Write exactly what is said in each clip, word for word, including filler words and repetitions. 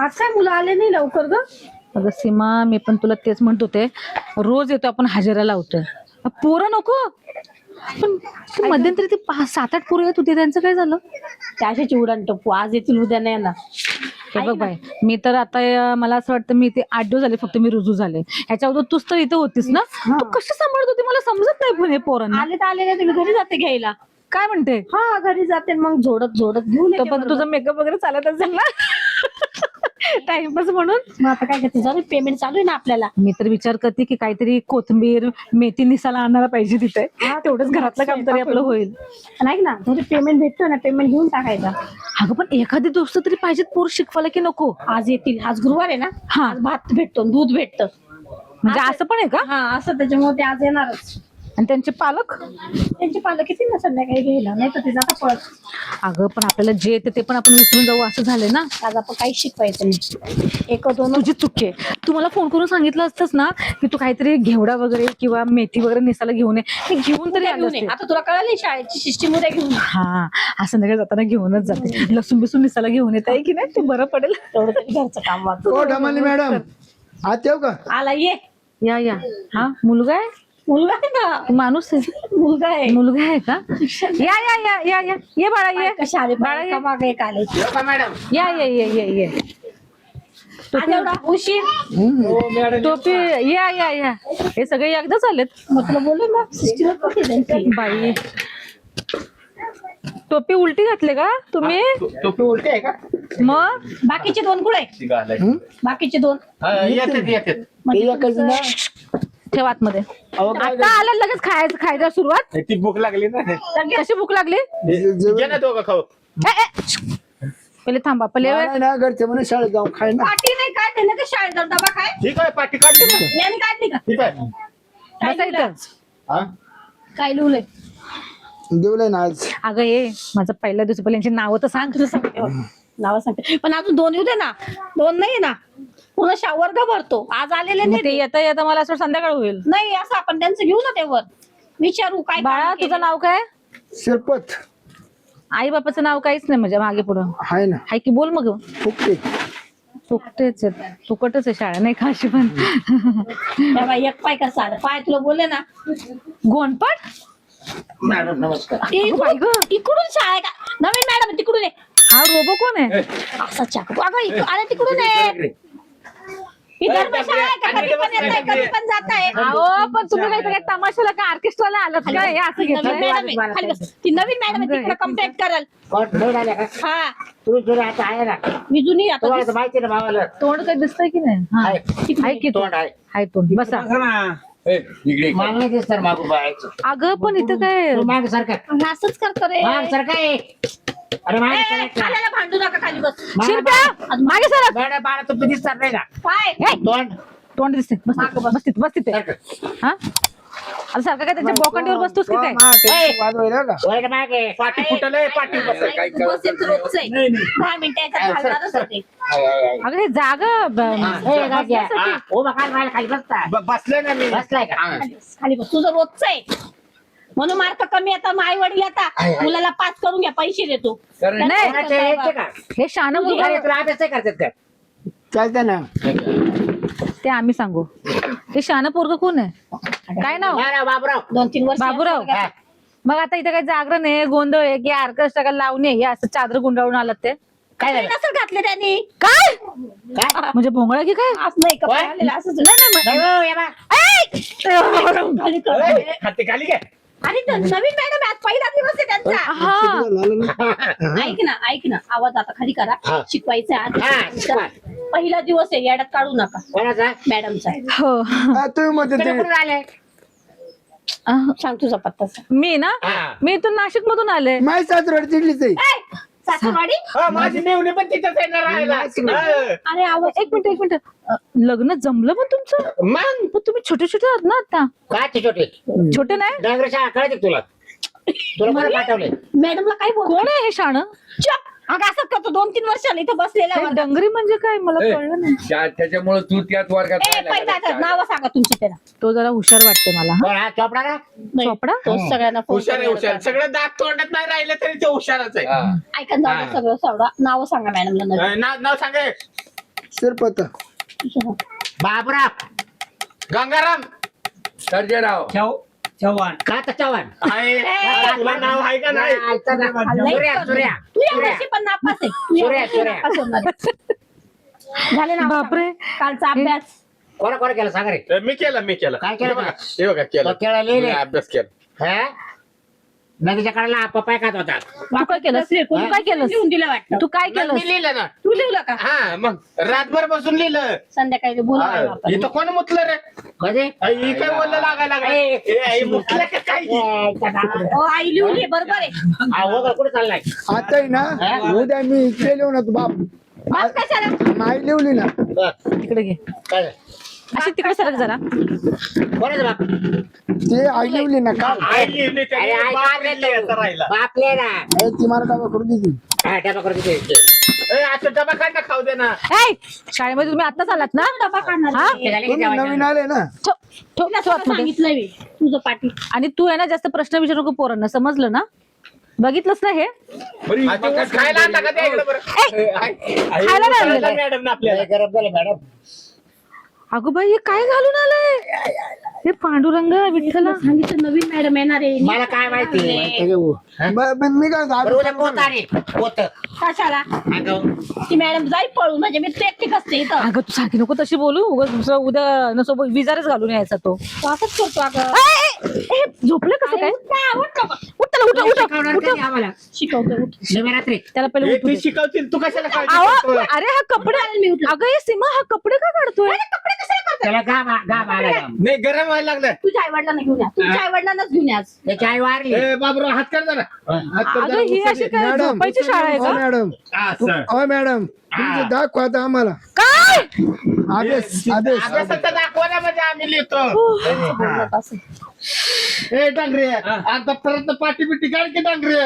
आज काय मुलं आले नाही लवकर ग? अगं सीमा, मी पण तुला तेच म्हणत होते, रोज येतो आपण हजेरा लावतोय, पोरं नको. पण ते मध्यंतरी ते पाच सात आठ पोरं येत होते, त्यांचं काय झालं? त्याशी चिवडान टप्पू आज येतील उद्या नाही येणार. हे बघ बाय, मी तर आता अं, मला असं वाटतं मी ते आठ दिवस झाले फक्त मी रुजू झाले. ह्याच्या अगोदर तूच तर इथं होतीस ना, तू कशी सांभाळत होती मला समजत नाही. पण हे पोरांना आले तर आले नाही, तुम्ही घरी जाते घ्यायला. काय म्हणते? हा घरी जाते मग झोडत झोडत घेऊन तो येते पण बरोबर. तुझा मेकअप वगैरे चालत असेल ना टाइमपास म्हणून. मग आता काय करते, जाऊ पेमेंट चालू आहे ना आपल्याला. मी तर विचार करते की काहीतरी कोथिंबीर मेथी निसाला आणायला पाहिजे तिथे, तेवढंच घरातलं काम तरी आपलं होईल. आणि ऐक ना, थोडी पेमेंट भेटतो ना, पेमेंट घेऊन टाकायचा. अगं पण एखादी दोस्त तरी पाहिजेत पोर शिकवायला, की नको? आज येतील, आज गुरुवार आहे ना, हा. आज भात भेटतो दूध भेटतं. म्हणजे असं पण आहे का? हा असं, त्याच्यामुळे ते आज येणारच. आणि त्यांचे पालक? त्यांचे पालक किती ना संध्याकाळी घ्यायला, नाही तर ते जाता पळत. अगं पण आपल्याला जे येते ते पण आपण विसरून जाऊ असं झालंय ना. आज आपण काही शिकवायचं नाही. एक दोन तुझी चुकी आहे. तू मला फोन करून सांगितलं असतंस ना की तू काहीतरी घेवडा वगैरे किंवा मेथी वगैरे निसाला घेऊन ये, हे घेऊन तरी आले घेऊन ये. असते. आता तुला कळाली शाळेची सिस्टीम, उद्या घेऊन ये. हा, असं संध्याकाळी जाताना घेऊनच जाते. लसूण बिसून निसाला घेऊन येत आहे की नाही, ते बरं पडेल. तेवढं तरी घरचं काम वाचतं. हो ढमाली मॅडम, आत येऊ का? आला ये. या या. हा, मुलगा आहे? मुलगा आहे का? माणूस आहे? मुलगा आहे. मुलगा आहे का? या या या या या ये बाळा, ये कशा आले बाळा, ये. का मागे एक आले. या या या या या आज एवढा उशीर. टोपी. या या या हे सगळे एकदाच आलेत. मग तुला बोलू ना, सिस्टीम कुठे त्यांची. बाई, टोपी उलटी घातले का तुम्ही? टोपी उलटी आहे का? मग बाकीचे दोन कुठे? बाकीचे दोन येतात येतात. म्हणजे ते एकच ना. ठेव आतमध्ये. अहो, काय आता आलं लगेच खायचं खायला सुरुवात. ती भूक लागली ना. कशी भूक लागली? घे ना दोघं खाऊ. ए, ए, पहिले थांबा, पहिले मला ना घरचे म्हणून शाळेत जाऊ खाय ना. पाठी नाही काय ते ना, का शाळेत जाऊन डबा काय ठीक आहे, पाठी काढली ना. याने काढली का? ठीक आहे. काय बसा लिहिलं? इथं. हा? काय लिहलंय? देवलंय ना आज. अगं ये, माझं पहिल्या दिवशी पहिले यांची नावं तर सांग. तुला सांगते बघ. नावं सांगते, पण अजून दोन येऊ दे ना. दोन नाही ना, पुन्हा शा- वर्ग भरतो. आज आलेले मग नाही ते ते. येता येता मला असं संध्याकाळ होईल. नाही असं आपण त्यांचं घेऊ ना, तेवर विचारू काय बाळा, काम तुझं केलं. नाव काय? शिरपत आई बापाचं नाव काहीच नाही म्हणजे मागे पुढं हाय ना. हाय की बोल मग. फुकटे. चुकतेच आहेत, चुकटच आहे शाळा, नाही का अशी पण. त्या बाई एक पाय कसा आला, पाय तुला बोलले ना. गोंडपाट. मॅडम नमस्कार. इकडून बाई गं. इकडून शाळा आहे का? नवीन मॅडम तिकडून आहे. हा रोबो कोण आहे? असा चाकू अगं इकडून आला, तिकडून आहे. ही धर्मशाळा आहे का? कधी पण येत आहे, कधी पण जात आहे. अहो पण तुम्ही काही काय तमाशाला का ऑर्केस्ट्राला आलात का? हे असं नवीन घेतलं. मॅडम आहे. खाली बस. ती नवीन मॅडम आहे, तिकडे कंप्लेंट कराल. हा मी जुनी आता तोंड काही दिसतंय की नाही? हा. आहे की तोंड? आहे तोंड. बसा. इकडे मागणी दिसतं मागून बायचं. अगं पण इथं काय? तू माग सारखं असंच करतो रे. माग सारखं आहे. अरे माग ए, सारखं. खाल्याला भांडू नका, खाली बस. शिरप्या मागे सर. बाळा बाळा तुम्ही दिसतात नाही का पाय तोंड तोंड दिसते. बस बस तिथे, बस तिथे. हा, आता सारखं काय त्यांच्या बोकांडीवर बसतोस की काय? मा, ते वाजवायला का? वय का मागे पाठी फुटलंय, पाठी बस. काय बसेल तर रोजच आहे. दहा मिनिटं याच्यात घालणारच होते. अगं हे जागा ब- ए, गाज्या. बसण्यासाठी. उभा काढ मला खाली बसता ब- बसलोय ना मी. बसलाय का हा. खाली बस, खाली बस. तुझं रोजच आहे म्हणून मार्क कमी येतात. आई वडील येतात, मुलाला पास करून घ्या, पैसे देतो. नाही. कोणाचे यायचे का हे शान मुलगा अरे तुला अभ्यास नाही करतात का चालतं ना. ते आम्ही सांगू. ते शान पोरग कोण आहे? काय नाव? बाबराव बाबराव दोन तीन वर्ष बाबूराव. मग आता इथे काही जागरण आहे, गोंधळ आहे की ऑर्केस्ट्रा लावणे, हे असं चादर गुंडाळून आलात ते? काय झालं नसेल घातले त्यांनी. काय काय म्हणजे भोंगळा की काय? असं नाही काय? कपडे घातलेले, असंच. नाही हो, या बा. खाली कर. ए, हाती खाली घे. आणि तो नवीन मॅडम आज पहिला दिवस आहे त्यांचा. हा. झालं ना. ऐक ना, ऐक ना, आवाज आता खाली करा. हा. शिकवायचं हा, आहे शिकवा. आज. पहिला दिवस आहे, याड्यात काढू नका. कोणाचा मॅडमचा आहे. हो. हा, तुम्ही मध्ये इकडे ते कुठून आले अह, सांग तुझा पत्ता सांग. मी ना हा. मी इथून नाशिक मधून आले. माय सासरवाडी तिथलीच आहे. ए, सासूरवाडी. हा, माझी मेवणी पण तिथंच आहे ना राहायला. हा. अरे आवाज एक मिनिट एक मिनिट अ, लग्न जमलं पण तुमचं? मग पण तुम्ही छोटे छोटे आहात ना आता. काय ते छोटे छोटे नाही? डांगर शाळा कळते का तुला तुला कोणा पाठवले मॅडमला काय बोल. कोण आहे हे शाण? चुप. अगं असं करतो, दोन तीन वर्षाला इथं बसलेला हे वर्गात. डंगरी म्हणजे काय मला ए, कळलं नाही. त्या- त्याच्यामुळे तू त्याच वर्गात ए राहिला पहिला का? नाव सांगा तुमची त्याला. तो जरा हुशार वाटते मला. हा? कोण हा चोपडा का नाही, चोपडा? तोच सगळ्यांना फोन हुशार आहे, करून हुशार. येतात. सगळं दात तोंडात नाही राहिलं तरी ते हुशारच आहे. हा. ऐका जाऊ दे, सगळं सावडा. नाव सांगा मॅडमला नवीन. अ, नाव नाव सांगे. शिरपत बाबराव गंगाराम सर्जेराव का तर चव्हाण आहे तुला नाव आहे का नाही सूर्या सूर्या तू या वर्षी पण नापास आहे तू या सूर्या, वर्षी सूर्या. नापास होणार आहे. झाले ना बापरे. कालचा अभ्यास कोणा कोणा केलं सांग रे मी केलं मी केलं काय केलं हे बघा का? हे बघा केलं तो केळं लिहिले. मी अभ्यास केला हा? नदीच्या कडेला पप्पाय खात होता तू काय केलंस तू काय केलंस लिहून दिलं वाटतं तू काय मग केलंस मी लिहिलं ना तू लिहिलं का हा मग रातभर बसून लिहिलं संध्याकाळी बोलू हा, इथं कोण मुतलं रे कधी आई, ही काय बोललं लागायला लागलं ए, ए, आई, मुतलं का काय हो आई लिहून घे बरोबर आहे वगैरे कुठे चाललाय आता आहे ना उद्या मी केले ना तू बाप बाप कशाला माई लिवली ना बरं, तिकडे घे काय अशी तिकडे सरक जरा कोणाचं बाप ते आई लिवली ना काल आई लिहिली त्याने, अरे, आई बाप काय लिहिली याचा राहिला. बाप ले ना ए, ती मला डबा करून देते हा, डबा करून दे. ए, आता डबा काढ ना खाऊ दे ना ऐ शाळेमध्ये तुम्ही आत्ताच आलात ना डबा काढणार हा? आहे. ते झाले की तुम्ही जेवायचं? नवीन आले ना ठेव ठेव तुला ठेव आतमध्ये. सांगितलंय मी तुझं पाठी आणि तू आहे ना जास्त प्रश्न विचारू नको पोरांना समजलं ना बघितलंस ना हे बरी आता ऊस खायला आणता का ते इकडं बरं? ए, आई, आई, खायला ऊस नाही आणला आणलेलं. मॅडम ना आपल्याला लय गरम झालं मॅडम अगो बाई हे काय घालून आलंय हे पांडुरंग विठ्ठला सांगितलं नवीन मॅडम येणार आहे मला काय माहिती अरे वो. ब- ब- मी काय बरं, उद्या पोत आली पोत कशाला अगं ती मॅडम जाईल पळून म्हणजे मी तू एकटी कसते इथं अगं तू सारखी नको तशी बोलू उगाच दुसरं उद्या नसो विजारच घालून यायचा तो तू असंच करतो अगं ए, ए, झोपलं कसं काय आवडतो का उठ त्याला उठ उठ शिकवणार उठ कधी आम्हाला शिकवतो उठ. शिवरात्री त्याला पहिले ए, उठू ती दे. शिकवतील तू कशाला काळजी आवा, करतोय? अरे हा कपडे मी उठलो. अगं हे सीमा हा कपडे का काढतोय कपडे कशाला करतो त्याला गाम गाम आला गाम नाही गरम व्हायला लागलं तुझ्या आई वडिलांना घेऊन या तुझ्या आई वडिलांनाच घेऊन या त्याची आई वारली ए बाबूराव हात कर जरा हात कर अगं जरा, ही उचल अशी दे. काय मॅडम झोपायची शाळा आहे हो का मॅडम असं. हो मॅडम तुमचे दाखवा आता आम्हाला काय आदेश आदेश अभ्यासाचं दाखवा ना म्हणजे आम्ही लिहितो ए डांगरे आता परत पाठी बिटी काढ की डांगरे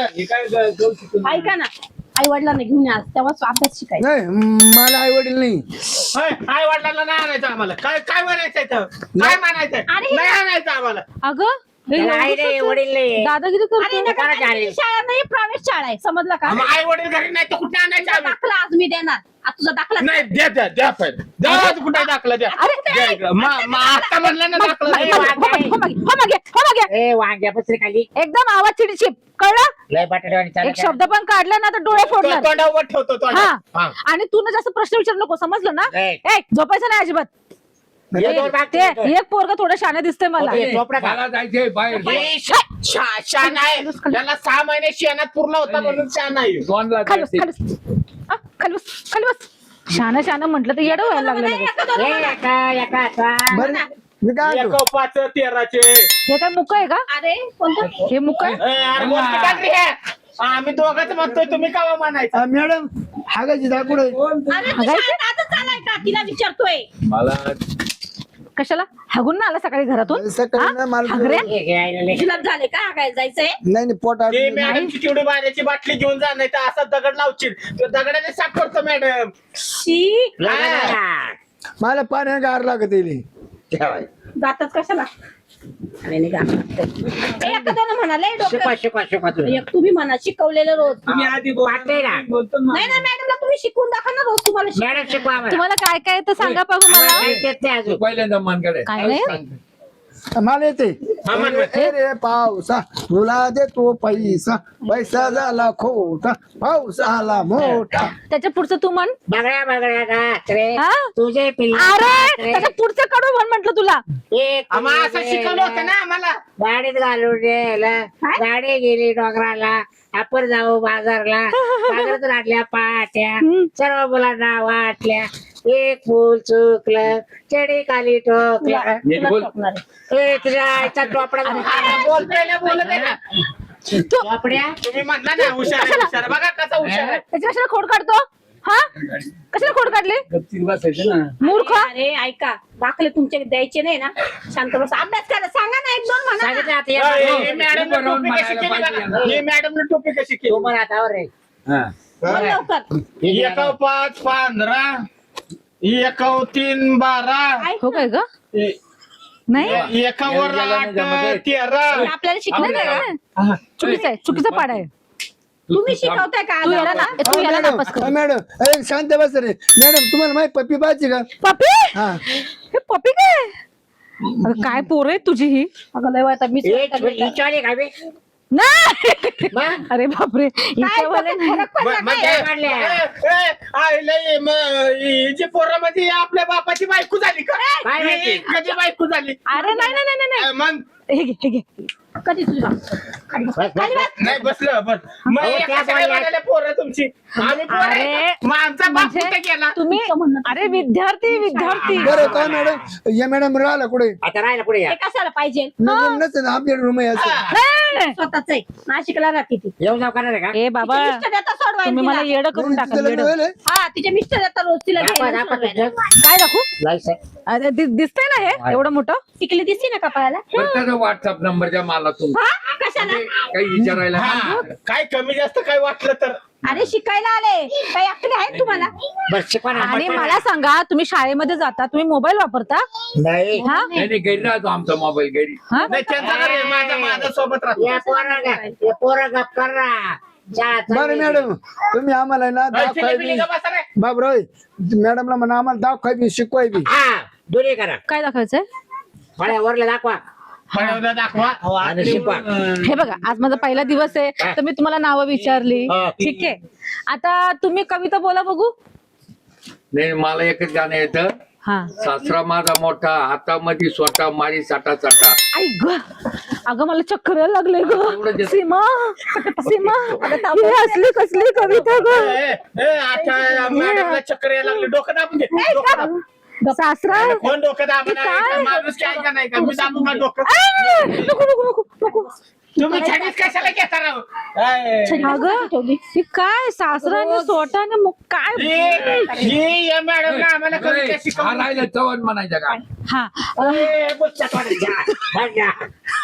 ऐका ना आई वडिलांना घेऊन या तेव्हा अभ्यास शिकायचा नाही मला आई वडील नाही काय वडिलांना नाही आणायचं आम्हाला काय काय म्हणायचं इथं? काय म्हणायचं अरे. नाही आणायचं आम्हाला अगं हे त्याला आई एवढं नाही कसं? वडील नाही दादागिरी आणि करतो नका कोणाची आणि आली? ती शाळा नाही प्रायव्हेट शाळा आहे समजलं का मग आई वडील घरी नाही तर कुठे आणायचं तुझा आम्ही दाखला आज मी देणार आज तुझा दाखला नाही द्या द्या द्या पहिले द्या आज कुठे दाखला द्या अरे, द्या इकडं. मा- मा- आता म्हणलं ना दाखला हो द्या. मागे, हो मागे, हो मागे, हो मागे. ए वांग्या पसरी खाली एकदम आवाज चिडचिप कळलं लय बटाटे एक शब्द पण काढला ना तर डोळे तो- फोडणार तोंडावर ठेवतो हा तोंडावर. हा. आणि तू ना जास्त प्रश्न विचारू नको समजलं ना ए. ए झोपायचं नाही अजिबात हे दोन भाग ते एक पोरग थोडं शाने दिसतंय मला ते झोपडा खा. मला जायचंय बाहेर बाई, शा- शा- शान आहे त्याला सहा महिने शेणात पूर्ण होता म्हणून शान आहे दोनला खाली बस जायचंय. खाली बस हा, खाली बस खाली बस शानं शानं म्हटलं तर येडं व्हायला लागलं लगेच. ए, एका एका आता. बरं मी काय एक म्हणतो, पाच तेराचे हे काय मुक आहे का अरे कोणतं हे मुक आहे ए, अरे मोठी डांगरी आहे. आम्ही दोघंच म्हणतोय तुम्ही का म्हणायचं अ, मॅडम हागाची दाखवड अरे तू शाळेत आजच आलाय का तिला विचारतोय मला कशाला हागून ना आला सकाळी घरातून सकाळी हा? ना मला हागऱ्या? हे घे, आईला लय. जुलाब झाले का काय जायचंय नाही नाही पोट ते आटलं. मॅडमची तेवढी पाण्याची बाटली घेऊन जा नाही तर असा दगड लावशील तो दगडाने साफ करतो मॅडम शी लगा लगा. मला पाण्या गार लागत येईल ठेवाय. जातात कशाला अरे नाही का एखाद्यानं म्हणाले शिकवा डोक्यात शिकवा शिकवा तुम्ही एक तुम्ही म्हणा शिकवलेलं रोज तुम्ही आधी वाटतंय ना नाही ना मॅडमला तुम्ही शिकवून दाखवा ना रोज तुम्हाला शिक- मॅडम शिकवा आम्हाला. तुम्हाला काय काय तर सांगा बघू मला आम्हाला काहीच येत नाही अजून. पहिल्यांदा मनकडे काय नाही मला येते हा, म्हण, म्हण. ए रे पावसा तुला देतो पैसा पैसा झाला खोटा पाऊस आला मोठा त्याच्या पुढचं तू म्हण बगड्या बगड्या गात्रे हा? तुझे पिल्ले अरे गात्रे. त्याच्या पुढचं कडू म्हण म्हटलं तुला एक आम्हाला असं शिकवलं होतं ना आम्हाला गाडीत घालून गेलं गाडी गेली डोंगराला आपण जाऊ बाजारला बाजारातून आणल्या पाट्या सर्व मुलांना वाटल्या एक फुल चुकलं चढी खाली ठोकलं नीट बोल. ठोकणार आहे. ए, तुझ्या आईचा टोपडा अरे, बोलतोय ना बोलत आहे ना टोपड्या तुम्ही म्हणला ना हुशार आहे, हुशार बघा कसा हुशार आहे त्याच्या कशाला खोड काढतो हा कशाला खोड काढली गपचीत बसायचं ना मूर्ख अरे ऐका दाखले तुमचे द्यायचे नाही ना शांत बस अभ्यास करा सांगा ना एक दोन म्हणा सांगितलं ना. आता या हे बाजूला. मॅडमने टोपी कशी केली बघा. हे मॅडमने टोपी कशी तू केली मला आता वर रे. हा. बोल लवकर एका पाच पंधरा एका तीन बारा हो काय ग ए- नाही एकावर आठ तेरा आपल्याला शिकलं नाही ना चुकीचं आहे चुकीचा पाडा आहे तुम्ही शिकवताय का तू याला ना तू याला मॅडम नापास कर. अ, मॅडम अरे शांत बस रे मॅडम तुम्हाला माहिती पप्पी पाहिजे का पपी हा हे पपी काय अगं, काय पोर आहे तुझी ही अगं लय वाईट आहे, मीच एक करते. विचारले का बे? नाही मग? अरे बापरे काय हिच्यावाले नाही. फरक पडला मग- मग काय? ए, वाढल्या. ए, ए, आईला ये, म- ही जी पोरामध्ये आपल्या बापाची बायको झाली का काय माहिती? ही कधी बायको झाली अरे नाही नाही नाही नाही अ, मग हे घे हे घे कधी तुझी बाप? खाली बस. बस, बस, खाली बस. बस. नाही बसलं बस मग अहो, एका त्या सगळ्या बोलल्या. वाल्याला पोरं तुमची आम्ही पोरं आहे अरे, का? मग आमचा बाप म्हणजे कुठे गेला तुम्ही अरे विद्यार्थी विद्यार्थी बरं का मॅडम या मॅडम राहिला कुठे आता राहिला पुढे या हे कशाला पाहिजे नसतं आमच्या रूम आहे असं नाही, नाही. स्वतःच आहे नाशिकला राहते ती येऊन जाऊ करणार आहे का ए बाबा तिचे मिस्टर येतात सोडवायला तुम्ही मला तिला. येडं करून टाका तिचं लग्न येडं. व्हायलंय? हा तिचे मिस्टर येतात रोज तिला दाखवा, घ्यायला दाखवा सोडवायला. तुझं. काय दाखवू लायसन. अरे दि- दिसतंय ना हे एवढं मोठं टिकली दिसते ना कपाळाला त्याचा व्हॉट्सअप नंबर द्या मला तुमचा हा कशाला काही विचारायला हा, काय कमी जास्त काय वाटलं तर अरे शिकायला आले काही अक्कली आहेत तुम्हाला बस शिकवा ना. आणि मला सांगा तुम्ही शाळेमध्ये जाता तुम्ही मोबाईल वापरता नाही हा नाही नाही, घरी राहतो आमचा मोबाईल घरी हा नाही त्यांचा घर आहे, माझा माझा सोबत राहतो या पोरा ग- या पोरा गप कर ना. चहा बरं चालली. मॅडम तुम्ही आम्हाला ना दाव फिलिपिनी खायबी का बसा रे? बाबराव मॅडमला म्हणा आम्हाला दाव खायबी शिकवाय बी हा दोन्ही करा काय दाखवायचंय फळ्या वरले दाखवा फळवलं दाखवा आणि शिकवा. हे बघा आज माझा पहिला दिवस आहे तर मी तुम्हाला नावं विचारली हा. ठीक आहे आता तुम्ही कविता बोला बघू नाही मला एकच गाणं येतं हा सासरा माझा मोठा हातामध्ये स्वतः मारी साठा साठा आई ग अगं मला चक्कर यायला लागले एवढं ग देत- सीमा सीमा ही असली कसली कविता ग ए, ए, आता मॅडमला चक्कर यायला लागली डोकं दाबून दे डोकं दाब. सासरा कोण डोकं दाबणार आहे का? काय? माणूस काय का नाही का मी दाबू का डोकं आ, नको नको नको नको तुम्ही छडीच कशाला घेता राव ए, अगं ही काय सासराने स्वतःने मग काय ही- ही या मॅडमला आम्हाला कमी काय हा शिकवलं राहिलं चव्हाण म्हणायचं का हा ए, बुच्चा पाडा. हट जा.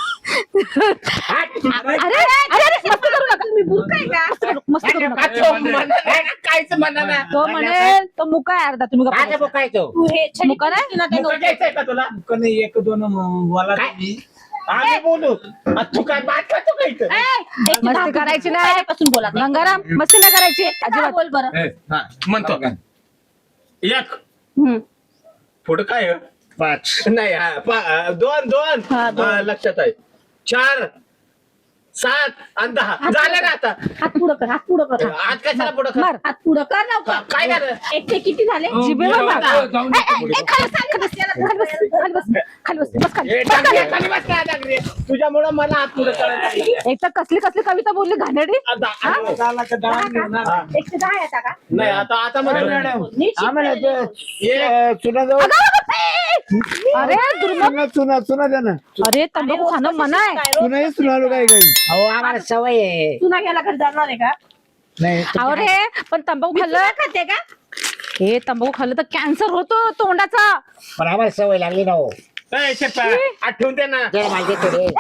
हट. अरे अरे अरे मस्ती करू नका तुम्ही बुरकाय का मस्ती करू नका तो म्हणा ना, काहीच म्हणा ना तो म्हणेल तो मुका आहे अर्धा तुम्ही गप्प माझं बसा. बुक आहे तो. तू हे छडी मुका नाही? ना ते मुका घ्यायचंय का तुला एक दोन वाला काय? आम्ही बोलू आ, तू काय बात करतो का इथं ए, एक मस्ती दहा करायची नाही. पहिल्यापासून बोला गंगाराम मस्ती नाही करायची हा, अजिबात बोल बरं ए, हा, म्हणतो एक हम्म. पुढं काय आहे? पाच नाही हा, पा- दोन दोन हा, दोन. हा, लक्षात आहे चार सात आणि दहा झालं ना आता हात पुढं कर हात पुढं कर आज कशाला पुढं कर? मार हात पुढं कर लवकर काय झालं एक ते किती झाले जिभेवर मार. जाऊ- जाऊन ए, दे ए, पुढे. ए, खाली बस, खाली बस, खाली बस, खाली बस, खाली बस, बस खाली. ए, बस खाली. टांगरे, खाली बस काय टांगरे? तुझ्यामुळं मला हात पुढं करायला लागले. एक तर कसली कसली कविता बोलली घाणेरडी आता- आता- झाला का दहा दहा घेऊन का? एक ते दहा येता का नाही आता आता म्हणतो मॅडम नीट आम्हाला शिकवायला. ते चुना जाऊ अरे दुर्मत चुना चुना चुना द्या ना अरे तंबाखू खाणं मना आहे काय रोज चुनाही चुनालो काय काही अहो आम्हाला सवय आहे. तुला गेला घरी जाणार आहे का नाही अहो रे पण तंबाखू खाल्लं तुला खाते का हे तंबाखू खाल्लं तर कॅन्सर होतो तोंडाचा पण आम्हाला सवय लागली ना हो. ए, शेप्पा, आठवून दे ना जरा माहिती आहे थोडी.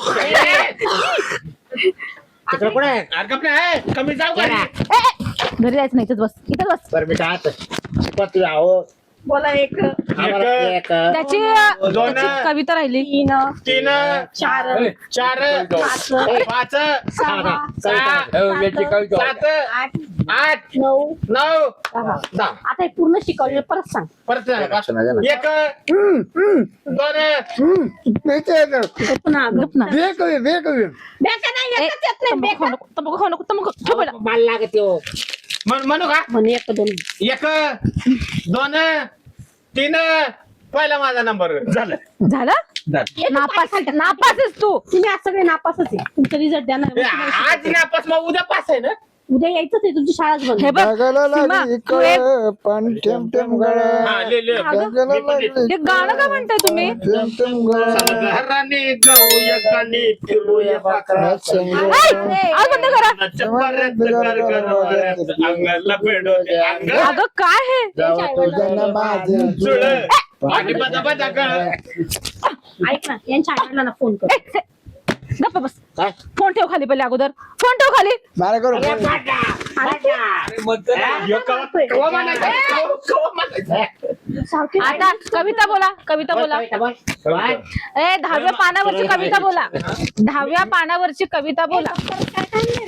तिकडे कुठे अरे गप्प ना, ए, कमी जाऊ का जरा. ए, ए, घरी जायचं नाही इथंच बस इथंच बस बरं मी काय शिकवा तुला अहो बोला एक आम्हाला एक, एक त्याची दोन. त्याची कविता राहिली तीन तीन चार ए, चार पाच पाच सहा सहा ए, याची कविता सात आठ आठ नऊ नऊ दहा दहा आता हे पूर्ण शिकवलेलं परत सांग परत एक हम्म, हम्म, दोन हम्म. नाही ते येतं. पुन्हा गप ना बे कवी बे कवी बेका नाही ए, येतच येत नाही तंबाखू खाऊ बेका नको तंबाखू खाऊ नको तंबाखू ठेव पहिला. मला लागते हो. म्हण- म्हणू का म्हणे एक दोन एक दोन तीन पहिला माझा नंबर झालं झालं हे तू नापास काय खाल्लं? नापास आहेस तू तुम्ही आज सगळे नापासच आहे तुमचा रिझल्ट द्या ना ए, आज नापास मग उद्या पास आहे ना उद्या यायचंच आहे तुमची शाळाच बंद हे बघ जगाला सीमा, लागली तू एक- कळ पाणी ठेम ठेम गळ हा, ले, ले. जगाला मी पण देतो. लागली हे गाणं का म्हणताय तुम्ही ठेम ठेम गळ घराने जाऊया कानी फिरूया बाकरा ऐ, आज बंद करा परत कर गरवाऱ्यात, अंगाला पेडोले अंग अगं काय हे जावा तुझ्या ना माझे जुळ पाठी बजा बजा गळ ऐक ना यांच्या आईला ना फोन कर ए, ए, गप्प बस काय? फोन ठेव खाली पहिले अगोदर फोन ठेव खाली मला करू अरे पाटा, पाटा. ह्यो कवा- कवा म्हणायचं? कवा- कवा म्हणायचं? सावकी आता कविता बोला कविता बोला कविता बोल. काय? ए दहाव्या पानावरची कविता बोला दहाव्या पानावरची कविता बोला परत काय काढले रे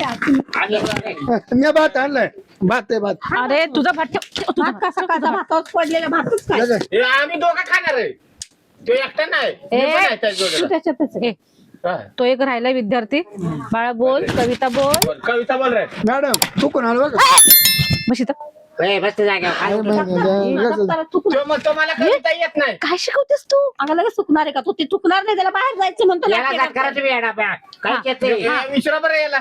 मी भात आणलाय भात आहे भात अरे तुझा भात ठेव, ठेव तुझा भात कसा खायचा भातावर पडलेला भातच काय जगा. हे आम्ही दोघं खाणार आहे तो एकटा नाही मी पण आहे त्या जोडीला. त्याच्यातच ए, हा. तो एक राहिला विद्यार्थी. बाळा बोल, कविता बोल. बोल, कविता बोल रे मॅडम चुकून आलो बघा बस इथं. ए, बसते जागेवर काय उठलं? तो म्हणतो मला कविता येत नाही काय शिकवतेस तू? अगं लगेच चुकणार आहे का तू ते चुकणार नाही त्याला बाहेर जायचं म्हणतो याला जात करा तुम्ही येडा बा. काय येते हे विचारा बरं याला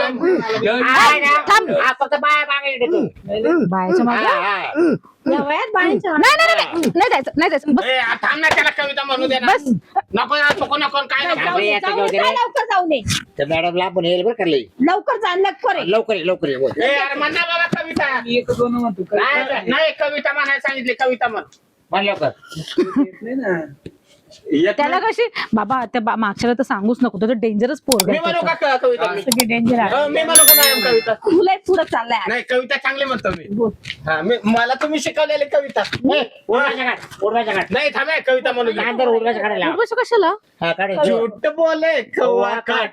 हाय ना? हा, फक्त बाया मागे तू बायाच्या मागे हा, हा. या वयात बाळांच्या नाही नाही नाही नाही जायचं नाही जायचं बस. ए, थांब ना त्याला कविता म्हणू दे ना बस. नको ना नको नको काय नको जाऊ नये, जाऊ नये, जा लवकर जाऊ नये तर मॅडमला आपण येईल बरं करले लवकर जा लवकर ये. लवकर ये, लवकर ये, बोल. ए अरे म्हणा बाबा कविता एक दोन म्हणतो नाही, नाही कविता म्हणायला सांगितली कविता म्हण म्हण लवकर नाही ना येत त्याला नाही. कशी बाबा त्या बा- मागच्याला तर सांगूच नको, तो डेंजरस पोरग मी म्हणू का क- कविता मी? सगळी डेंजर आहे हो, मी म्हणू का मॅडम कविता तुला पुढे चाललाय नाही कविता चांगली म्हणतो मी हा मी मला तुम्ही शिकवलेली कविता ए, उडवायच्या काढ उडवायच्या काढ नाही थांब हे, कविता म्हणू दे. कांदर उडवायच्या काढायला बस कशाला? हा काढ झूठ बोले कौवा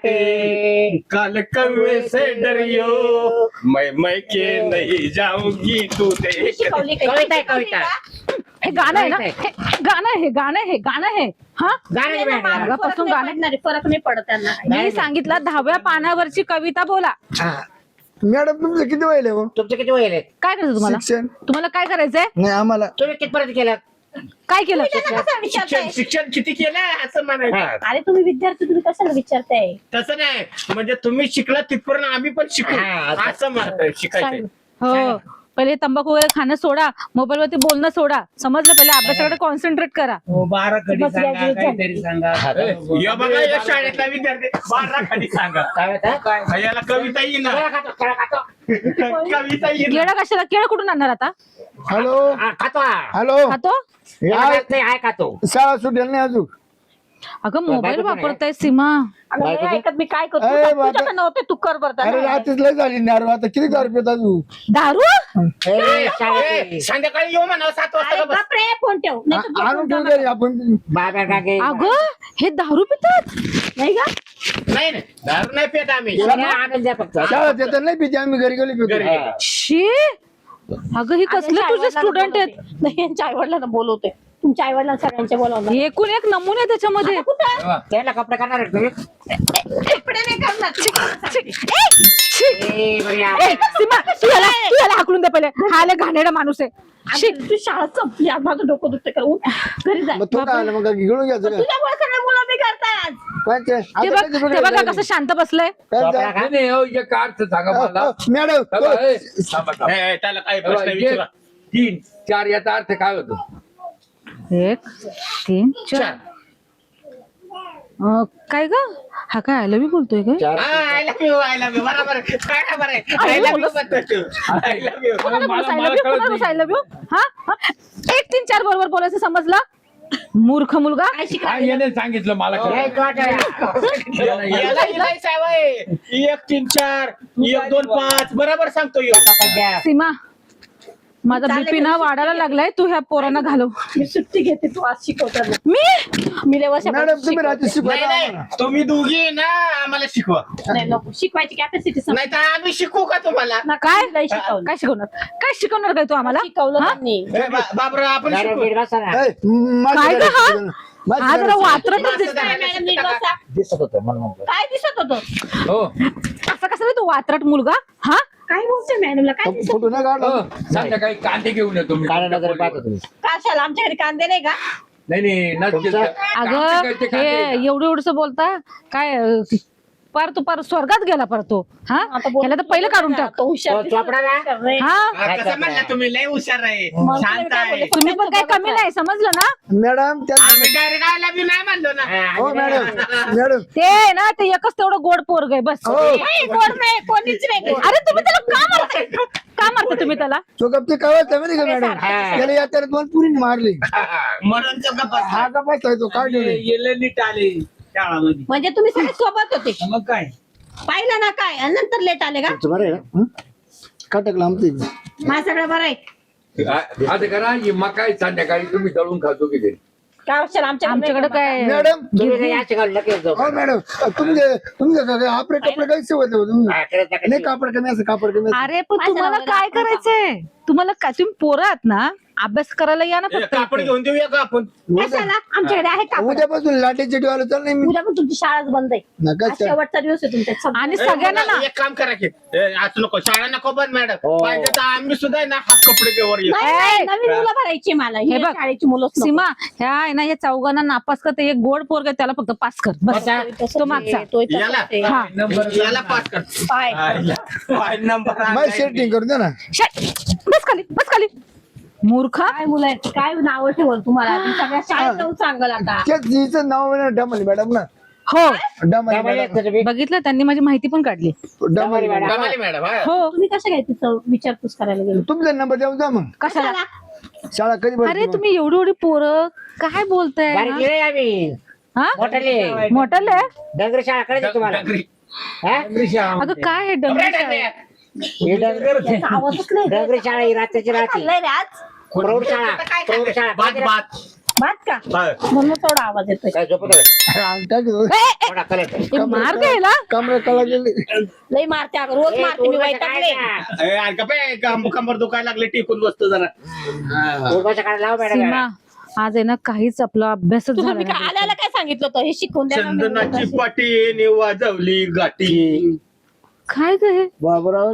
काटे काल कौवे से डरियो मैं मैं के नहीं जाऊंगी तू देख शिकवली काही? कविता आहे, कविता. हे गाणं आहे ना, हे गाणं आहे, हे गाणं आहे, हे गाणं आहे. हा गाण्याची बँड आहे. फरक पासून नाही गाणं पडणार आहे, फरक नाही पडत त्यांना मी सांगितलं दहाव्या पानावरची कविता बोला. हा. मॅडम तुमचं किती वय हो तुमचं किती वय आहे? काय करायचं तुम्हाला? शिक्षण तुम्हाला काय करायचंय? नाही आम्हाला तुम्ही कितपर्यंत केलं काय केलं? त्यांना कसं शिक्षण विचारताय शिक्षण किती केलं असं म्हणायचं अरे तुम्ही विद्यार्थी तुम्ही कशाला विचारताय तसं नाही म्हणजे तुम्ही शिकला तिथपर्यंत आम्ही पण शिकू हा, असं. असं म्हणतोय शिकायचं हो, पहिले तंबाखू वगैरे खाणं सोडा, मोबाईल वरती बोलणं सोडा, समजलं? पहिले अभ्यासाकडे कॉन्सन्ट्रेट करा. हो बारा कधी बस सांगा graduate काहीतरी सांगा या बघा या शाळेतला विद्यार्थी बारा खाली सांगा काय होतं? काय याला कविता येईना केळं खातो, केळं खातो. कविता येईना केळं कशाला? केळं कुठून आणणार आता? हॅलो हा, खातो हा. हॅलो खातो? केळं हाय. खात नाही, हाय खातो. शाळा सुटेल नाही अजून अगं मोबाईल बायको पण आहे. वापरताय सीमा. अगं बायको नाही ऐकत मी काय करतो ए, बाबा. तुझ्याकडे नव्हते तू कर अरे बरं रात्रीच लय झाली नारू आता किती दारू पित अजून दारू? ए, शाळेत ए, संध्याकाळी येऊ म्हणा सात वाजता का बस बापरे फोन ठेव नाही तर आ- आणून झोपून ठेवू जाणार. दे आपण बाबा काके अगं हे दारू पितात? नाही का नाही नाही दारू नाही पेट आम्ही आनंद द्या फक्त शाळेत येतात नाही पिते आम्ही घरी गेली पितो घरी. हा. शी, अगं ही कसले तुझे स्टुडंट आहेत? नाही यांच्या आई वडिलांना बोलवते तुमच्या आई वडिलांना सगळ्यांच्या बोलावलं एकूण एक नमुने आहे त्याच्यामध्ये. कुठं त्याला कपडे करणार आहे तुम्ही? कपडे नाही करणार ए, बरी आहे. ए, सीमा, तू याला तू याला हाकलून दे पहिले. हा लय घाणेरडा माणूस आहे. शी, अगं, तू शाळा संपली आज माझं डोकं दुखते कर उठ, घरी जा मग तो काय आला मग घेऊन घ्यायचं काय? तुझ्यामुळे सगळे मुलं बिघडतात काय ते? ते आता बघ काय ते ते बघायला बघा लागले? कसं शांत बसलंय. काय कपडा ते? खा. नाही नाही, हो, एक अर्थ सांगा मला अ, अ, मॅडम थांबा, तो- ए, थांबा, थांबा. ए, ए, त्याला काही थांबा, प्रश्न एक, विचारा तीन चार याचा अर्थ काय होतो? एक तीन चार. अं, काय ग हा काय आय लव्ह यू बोलतोय काय? चार. I love you I love you बरोबर आहे. काय बरोबर आहे आय लव्ह यू म्हणतो तू आय लव्ह यू कोणाला बोलायचं I मला love you? कळत कोणाला नाही. I love you? हा? हा? एक तीन चार बरोबर बोलायचं समजलं? मूर्ख मुलगा. काय हा, शिकायला याने सांगितलं मला ए, कळत. तू आता- याला इलाय सावय एक तीन चार एक दोन पाच बरोबर सांगतो ह्यो. द्या. सीमा, माझा बीपी ना वाढायला लागलाय. तू ह्या पोरांना घालव. मी सुट्टी घेते तू आज शिकवताना मी मी लय वर्षापासून मॅडम तुम्ही शिकवते. रात्री नाही शिकवायला नाही आम्हाला. तुम्ही दोघी ना आम्हाला शिकवा नाही नको शिकवायची कॅपॅसिटी नाही तर आम्ही शिकू का तुम्हाला काय लय शिकवलं काय शिकवणार? काय शिकवणार काय तू आम्हाला? शिकवलं हा? त्यांनी ए, बा- बाबरा आपण मॅडम, शिकू नीट बसा ना. ए, माझी काय ग घरात हा? शिकवलं. माझी हा जरा घरात वात्रटच असं दिसतोय. नाही. मॅडम नीट बसा. दिसत होतं म्हणून म्हणतो. काय दिसत होतं हो असं कसं रे तू वात्रट मुलगा? हा? काय बोलतोय मॅडमला काय दिसत फोटो नाही काढला हो, संध्याकाळी कांदे घेऊन येतो मी काळ्या नजरेने पाहतो तुम्ही. कशाला आमच्या घरी कांदे नाही का नाही नाही नसतील तुमचं- तर. अगं कांदे कळते, हे कांदे येतात. एवढं एवढस बोलता काय अं, पार तू पार स्वर्गात गेला पार तो. हा आता बोल- याला तर पहिलं काढून टाक. तो हुशार तो दिसतो. चोपडा ना? हुशार नाही. हा हा, कसं म्हणला तुम्ही लय हुशार आहे मग शांत तुम्ही काय आहे बोलले? तुम्ही पण काही कमी नाही समजलं ना? मॅडम त्या आम्ही डायरेक्ट आय लव्ह यू नाही म्हणलो ना हा, हो आणि मॅडम मॅडम ते आहे ना ते एकच तेवढं गोड पोरग आहे बस. हो नाही, कोण नाही कोणीच नाही अरे तुम्ही त्याला का मारताय? का मारता तुम्ही त्याला? तो गप्पी कावायचा माहिती का मॅडम हा. त्याला यात्रेत दोन पुरी मारली म्हणून तो गप्प बसला. हा गप्पा तो काय ठेवले येले नीट आले शाळामध्ये म्हणजे तुम्ही सगळे सोबत होते मग काय पाहिलं ना काय आणि नंतर लेट आले का तुमचं बरं आहे ना? हं? का टाकलं आमचं इकडे? माझं सगळं बरं आहे आ- आता करा ही मकाई संध्याकाळी तुम्ही दळून खातो की ते काय असेल आमच्याकडे काय मॅडम तुम्ही काही याची घालू नका जाऊ. हो मॅडम तुमचे तुमचे काय आपले कपडे काही शिवत होते तुम्ही हा, करत नका नाही शिवू. कापड कमी असं कापड कमी असं. अरे पण माझ्या तुम्हाला नवऱ्याला काय आपण करायचंय तुम्हाला काय तुम्ही पोरं आहात ना अभ्यास करायला या ना ए, फक्त कापड इथे. घेऊन देऊया का आपण कशाला आमच्याकडे आहे का उद्यापासून लाटेची डोळा चाल नाही मी उद्या पण तुमची शाळाच बंद आहे नका आज शेवटचा दिवस आहे तुमच्या सगळ्या. आणि ए, सगळ्यांना मला ना एक काम करा की ए, आज नको शाळा नको बंद मॅडम हो. पाहिजे तर आम्ही सुद्धा आहे ना हाफ कपडे घेवर येऊ नाही, नाही, नवीन मुलं भरायची मला हे हे बघ, शाळेची मुलं सीमा ह्या आहे ना या चौघांना नापास करते एक गोड पोरग त्याला फक्त पास कर बस बसा. तो मागचा याला हा नंबर याला पास कर पाय पाय नंबर माझी सेटिंग करून द्या ना शट. बस खाली बस खाली मूर्खा काय मुलं आहेत काय नाव ठेवल तुम्हाला मी सगळ्या शाळेत जाऊन सांगल आता तेच हिचं नाव आहे ना डमली मॅडम ना हो डमली त्यामुळे मॅडम एक तुम्ही- बघितलं त्यांनी माझी माहिती पण काढली डमली मॅडम कमाली मॅडम हा हो तुम्ही कसं काय तिचं विचारपूस करायला गेलो तुमचा नंबर देऊन जा मग कशाला शाळा कधी अरे भरते मग? तुम्ही एवढी एवढी पोरं काय बोलताय बारीक हा? लिहिलंय आम्ही हा मोठाले मोठल आहे डंगर शाळा कळते तुम्हाला डंगरी. हा? अगं काय हे डंगर डंगरी. ही डंगर याचा आवाजच नाही डंगरी शाळा ही रात्रीची काय राहते खाल्लंय रे आज प्रौढ शाळा प्रौढ शाळा बात बात भात का हा. म्हणून थोडा आवाज येतोय काय झोपत होय? हा, काय केलं? ए, ए, थोडा कलर ए, मार घ्यायला कमरे कला गेली लई मारते अगं रोज मारते मी वैतागले ए, अरे का बे, कम- कंबर दुखायला लागले टिकून बसतो जरा हा. उर्वाच्या काढा लाव मॅडम सीमा आज आहे ना काहीच आपला अभ्यासच तुला झाला मी काय नाही. आल्याला काय सांगितलं होतं हे शिकवून द्या ना मी चंदनाची उगाच. पाटी वाजवली गाठी काय ग हे बाबराव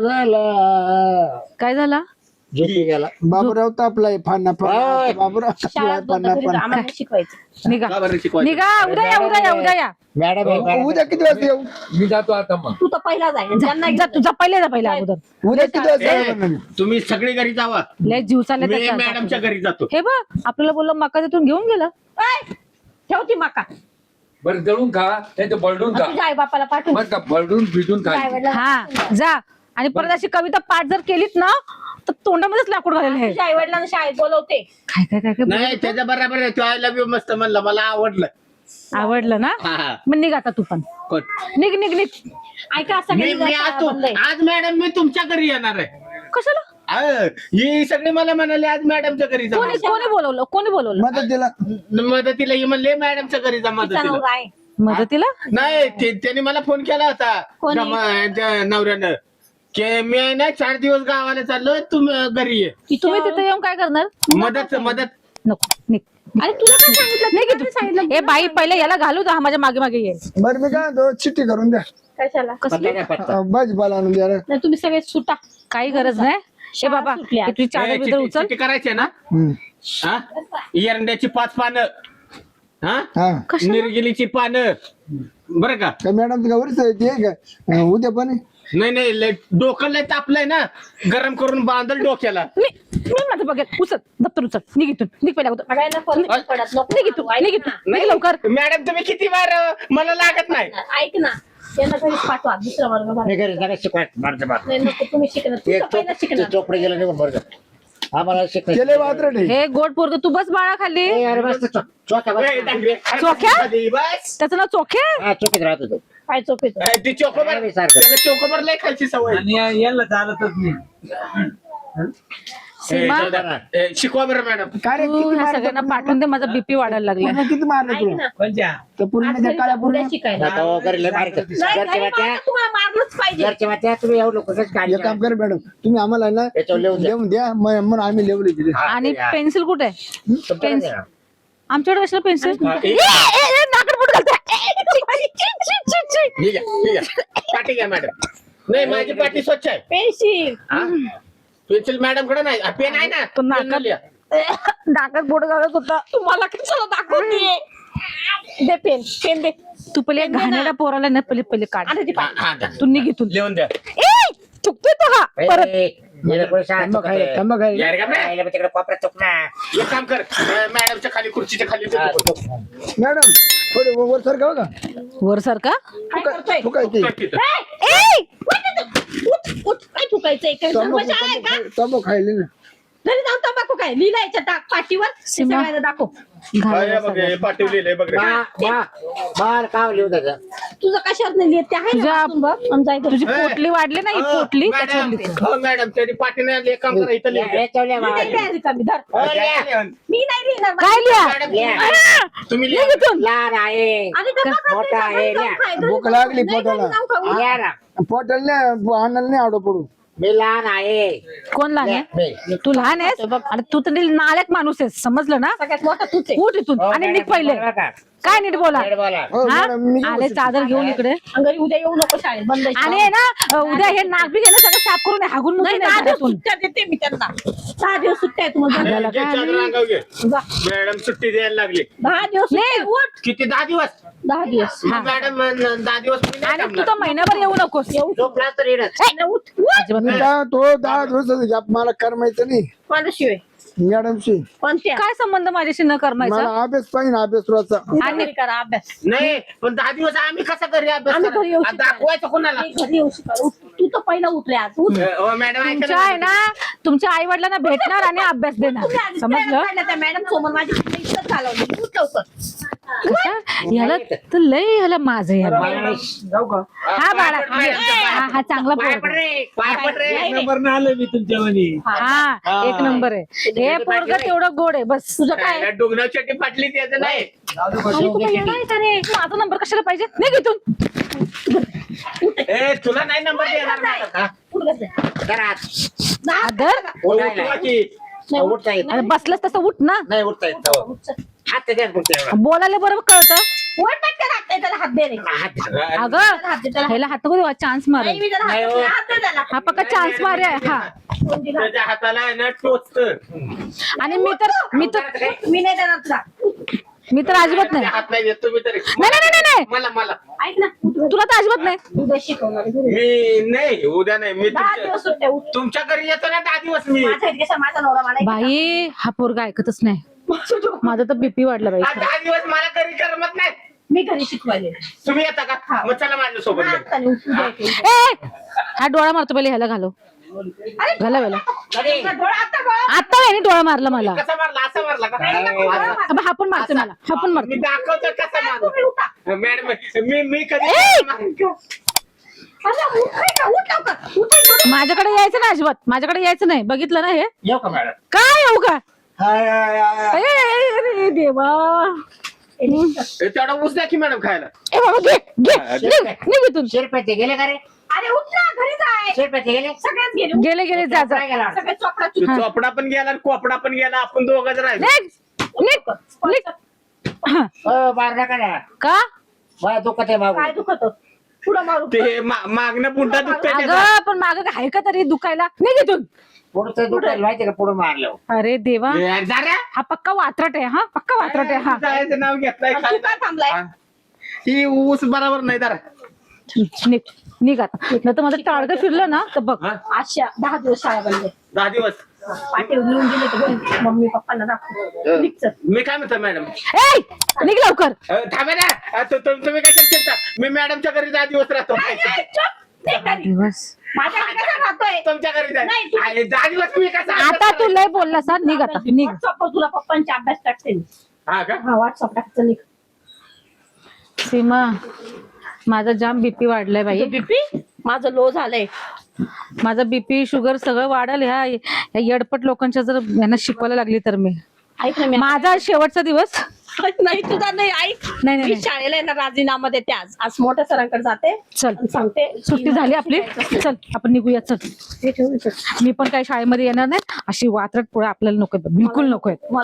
झाला काय झाला झोपी गेला बाबूराव तापलाय फाना ओय. फाना बाबूराव तापलाय शाळेत बंद फाना घरी जा, फाना आम्हाला नाही शिकवायचं निघा का बरं शिकवायचं? निघा उद्या या उद्या या उद्या या मॅडम आहे, मॅडम. उद्या किती वाजता येऊ मी जातो आता मग तू तर पहिला जाईल ज्यांना जा तुझा पहिले जा पहिला अगोदर उद्या किती वाजता ए, येऊ म्हणलं मी? तुम्ही सगळी घरी जावा लय जीव चालले मी त्याचा. मॅडमच्या घरी जातो हे बघ आपल्याला बोललं मका तिथून घेऊन गेला ऐ, ठेवती मका बरं जळून खा नाही तर बळडून खा तुझ्या आई बापाला पाठवून बरं का बळडून भिजून खा हा जा आणि परत अशी कविता पाठ जर केलीत ना तर तोंडामध्येच लाकूड घालेलं आहे तुझ्या आई वडिलांना शाळेत बोलवते काय काय काय काय नाही त्याच्या बरोबर आहे तो आय लव्ह यू मस्त म्हणलं मला आवडलं आवडलं ना हा, हा. मग निघ आता तू पण कोण? निघ निघ निघ ऐका असं मी मी आज तू आज मॅडम मी तुमच्या घरी येणार आहे कशाला अ, ही सगळी मला म्हणाले आज मॅडमच्या घरी जा कोणी कोणी बोलवलं कोणी बोलवलं मदतीला मदतीला ही म्हणले मॅडमच्या घरी जा मदतीला नवरा आहे मदतीला नाही ते- त्यांनी मला फोन केला होता कोणी? त्या म- त्या नवऱ्यानं की मी आहे ना चार दिवस गावाला चाललो तुम्ही घरी ये तुम्ही तिथे येऊन काय करणार मदत मदत नको निघ अरे तुला काय सांगितलं नाही की तू ए बाई पहिले याला घालू दहा माझ्या मागे मागे ये बरं मी काय म्हणतो चिठ्ठी करून द्या कशाला कसली अं, भाजीपाला आणून द्या रे. नाही तुम्ही सगळे सुटा काही गरज नाही ए बाबा सुटली आज. हे तुझी चादर ए, बिदर चिठ्ठी- उचल चिठ्ठी करायची आहे ना हम्म. हा एरंड्याची पाच पानं हा हा कशाला? निर्गिलीची पानं बरं का काय मॅडम तुला वरच आहे ते का अं, उद्या पण आहे? नाही नाही लय डोकं लय तापलंय ना गरम करून बांधल डोक्याला मी मी माझं बघेल उचल दप्तर उचल निघ इथून निघ पहिल्या अगोदर सगळ्यांना फरक पडत नको निघ इथून निघ इथून निघ लवकर मॅडम तुम्ही किती वार मला लागत नाही ऐक ना त्यांना घरीच पाठवा दुसरा वर्ग भरा. मी घरी जागा शिकवाय मारते मार नाही नको तुम्ही शिकणार तू तर पहिला शिकणार चोपडे गेलं निघून बरं आम्हाला शिकायचं केले वात्रट आहे हे गोड पोरग तू बस बाळा खाली ए, अरे बस चो- चोक्या बस. ए, डांगरे, अरे चोख्या? कधी बस त्याचं नाव चोखे हा चोकीत राहतो तो काय चोपेच ए, ती चोकोबर नाही, सारखं. त्याला चोकोबर लय खायची सवय आणि या- याला चालतच नाही सीमा ए, जाऊ द्या. ए, शिकवा बरं मॅडम काय रे तू किती ह्या मारलं सगळ्यांना पाठवून दे माझा बीपी वाढायला लागला पूर्ण किती मारलं ऐक तुला ना कोणत्या तर पूर्ण आज त्या घरी काळ्या जा, पूर्ण उद्या शिकायला आता हो, घरी लय मारित नाही, घरच्या नाही, वाट्या मला तुम्हाला मारलंच पाहिजे घरच्या वाट्या तुम्ही एवढं लोकच काढली एक काम कर मॅडम तुम्ही आम्हाला आहे ना याच्यावर लिहून द्या. लिहून द्या मग मग आम्ही लिहून दिले आणि पेन्सिल कुठे आहे तुमच्याकडे द्या. आमच्याकडे कशाला पेन्सिल हा, ए- नाकड बोट घालते ठीक आहे ठीक आहे पाठी घ्या मॅडम नाही माझी पाठी स्वच्छ आहे पेन्सिल हा? पेन्सिल मॅडम कडे नाही पेन आहे ना तो पेन नाकात- न लिहा. नाकात बोट घालत होता तुम्हाला कशाला दाखवते दे पेन पेन दे तू पहिले घाणेरड्या पोराला ना पहिले पहिले काढ आणि ती हा, हा, द्या. तू निघ इथून लिहून द्या ए चुकतोय तो हा ए, परत ए, गेलं कोणी शाळा थांबा खायला चुकते. थांबा खायला यार का बे? राहिलं मग तिकडे कोपऱ्यात चुक ना एक काम कर अ, मॅडमच्या खाली खुर्चीच्या खाली हा, देतो. चुक. मॅडम थोडे वर सर का बघा वर सारखा काय करतोय तू काय ते तिथं. ए, उठ, उठ, काय थुकायचंय काय तंबाखू सर्वशाळा आहे का तंबाखू- तंबाखू खायले ना घरी जाऊन तंबाखू काय लिहिलं याच्या टाक पाठीवर ते सीमा. सगळ्यांना दाखव हा, हे बघ, हे पाठवलेलं आहे बघ रे. मा- मा- मार काव लिहू त्याचं तुझं कशावर नाही लिहित ते आहे ना तुझ्या- वाचून बघ आणि जाय घरी. तुझी पोटली वाढली नाही अ, पोटली मॅडम, त्याच्यावर लिहितो. हो मॅडम तरी पाठीने एक काम करा इथं लिहा. हे ठेवल्या मी नाही लिहायचं का मी धर हो, लिहा. लिहा. मी नाही लिहिणार काय लिहा मॅडम, लिहा. तुम्ही लिह लिहा. इथून. लहान आहे आणि गप्पा खात मोठा नाही, आहे, घरी जाऊन लिहा. खाय, घरी भूक जाऊन- लागली नाही, घरी पोटाला. जाऊन खाऊ. लिहा ना. पोटाला नाही आणायला नाही आवडत पडू. मी लहान आहे कोण लहान आहे मी. तू लहान आहेस आणि तू तर नालायक माणूस आहेस समजलं ना सगळ्यात मोठा तूच आहे. उठ इथून हो, आणि मॅडम, निघ पहिले बरोबर का? काय नीट बोला नीट बोला. हो हा? मॅडम मी आले चादर घेऊन इकडे आणि घरी उद्या येऊ नको शाळेत बंद आहे. आणि आहे ना उद्या हे नाक बी घेणं सगळं साफ करून हागून नाही मुकून दहा ये दिवस घरातून. सुट्ट्या देते मी त्यांना दहा दिवस सुट्ट्या आहे तुम्हाला आपल्याला घे, काय चादर अंगावर घे. जा. मॅडम सुट्टी द्यायला लागली दहा दिवस सुट्ट्या आहे, उठ किती दहा दिवस दहा दिवस मग मॅडम अं, दहा दिवस मी नाही आणि तू थांबणार. तर महिनाभर येऊ नकोस झोपला तर येणंच. नाही, उठ उठ अजिबात मी नाही. काय तो दहा दिवसाचा गॅप मला करमायचं नाही कोणाशिवाय मॅडमशी. कोणत्या काय संबंध माझ्याशी न करमायचा मला अभ्यास पाहिजे अभ्यास रोजचा. आणि घरी करा अभ्यास नाही पण दहा दिवस आम्ही कसा घरी अभ्यास आम्ही घरी येऊ करा? शिकायला. दाखवायचं कोणाला मी घरी येऊ शिकायला. उठ. तू तर पहिला उठले आज उठ. अं, ओ, मॅडम ऐका तुमच्या आहे ना तुमच्या आई वडिलांना भेटणार आणि अभ्यास देणार तुम्ही आधी समजलं प्रेरणा पाहिलं त्या मॅडम समोर माझी इज्जत घालवली. उठ लवकर. कसं? ह्याला तर लय ह्याला माझं याला जाऊ का हा बाळा पाय पड, पाय हा हा चांगला पाय पोरगा पड रे, पाय पड रे. नाही, नाही. नंबर न आलं मी तुमच्या म्हणी हा एक नंबर आहे हे पोरग तेवढं गोड आहे बस तुझं काय काय डोंगराव चट्टी फाटली त्याचं नाही आणि तू काय येणार आहे का रे? माझा नंबर कशाला पाहिजे निघ इथून ए तुला नाही नंबर देणार मला का? उठ बस. घरात. जा. अदर उठायला. उठवा की. नाही, उठ. उठता येत अरे बसलंस तसं उठ ना नाही उठता येत हो. उठ, चल. हात त्याच्यात फक्त एवढा. बोलायला बरोबर कळतं उठ पटकन हात दे त्याला हात दे रे. हात. अगं हात दे त्याला. ह्याला हात नको चान्स मार नाही, मी त्याला हात नाही, दे. हो. हात दे त्याला. हा पक्का चान्स मार आहे हा कोण दिला? त्याच्या हाताला आहे ना टोचत आणि मी तर मी तर मी नाही देणार तुला. मी तर अजिबात नाही हात नाही देत तुम्ही तरी नाही नाही नाही नाही मला मला ऐक ना उठ बस. तुला तर अजिबात नाही उद्या शिकवणार आहे. घरी. मी नाही उद्या नाही मी दहा तुमच्या दिवस सुट्ट्या उठ. तुमच्या घरी येतो ना दहा दिवस मी माझ्या इथे कसा माझा नवरा मला बाई हा पोरगा ऐकतच नाही माझा तर बीपी वाढला बाई हा दहा दिवस मला घरी करमत नाही मी घरी शिकवायले. तुम्ही येता का मग चला माझ्या सोबत घरी. हाताने उठून द्यायचे. ए हा डोळा मारतो पहिले ह्याला घालो अरे, घाला वेळेला अरे, तुझा डोळा आता गळा. आता याने डोळा मारला मला कसा मारला असा मारला का अब हा पण मारतो मला हा पण मी मारतो दाखवतो कसा तुम्ही उठा. मारला मॅडम मी मी कधी ए! अरे, उठ रे का? उठ लवकर. उठ रे, उठ. माझ्याकडे यायचं ना अजिबात माझ्याकडे यायचं नाही बघितलं ना हे येऊ का मॅडम काय येऊ का हाय, हाय, हाय. ए, ए, अरे देवा ए, तेवढा ऊस द्या की मॅडम खायला ए बाबा घे घे निघ निघ इथून शिरपेते गेले का रे अरे उठ ना घरी जाय. शिरपेते गेले सगळ्यात गेले. उठ. गेले गेले जा जा काय गेला सगळे चोपडा तो चोपडा पण गेला आणि कोपडा पण गेला आपण दोघच राहिलो निघ निघ निघ हा. हो मार नका ना का मला दुखत आहे बाबू काय दुखत पुढं मारू. ते मा- मागणं पुंडा दुखतंय त्याचा. अगं पण माग आहे का तरी दुखायला निघ इथून पुढचं दुखायला माहिती का पुढे मारलं अरे देवा ए, जा रे. हा पक्का वात्रट आहे हा पक्का वात्रट आहे हा जायचं नाव घेतलंय तू काय थांबलाय? हा. ही ऊस बरोबर नाही जरा निघ निघ आता नाही तर माझं टाळगं फिरलं ना तर बघ हा? आशा दहा दिवस शाळा बंद आहे. दहा दिवस पाठी लिहून दिले तर घरी मम्मी पप्पांना दाखव. निघ चल. मी काय म्हणतो मॅडम ए निघ लवकर अ, थांबा ना अ, तु- तु- तुम्ही काय करता मी मॅडमच्या घरी दहा दिवस राहतो नाही, नाही, चुप. निघ घरी. दिवस माझ्याकडे कसा राहतोय? तुमच्या घरी जाय. नाही, तू- अरे, दहा दिवस मी कसा आता तू लय बोललास हा निघ आता निघ व्हॉट्सअपवर तुला पप्पांचे अभ्यास टाकते मी. हा का हा व्हॉट्सअप टाकते निघ. सीमा माझा जाम बीपी वाढलाय बाई बीपी माझं लो झालंय. माझा बीपी शुगर सगळं वाढल ह्या ह्या येडपट लोकांच्या जर यांना शिकवायला लागली तर मी ऐक ना मी माझा शेवटचा दिवस नाही तुझा नाही ऐक. नाही, नाही, मी नाही. शाळेला आहे ना राजीनामा देते आज आज मोठ्या सरांकडे जाते चल आणि सांगते सुट्टी झाली आपली चल आपण निघूया चल हे ठेवून चल. मी पण काही शाळेमध्ये येणार नाही अशी वात्रट पुढे आपल्याला नको बिलकुल नको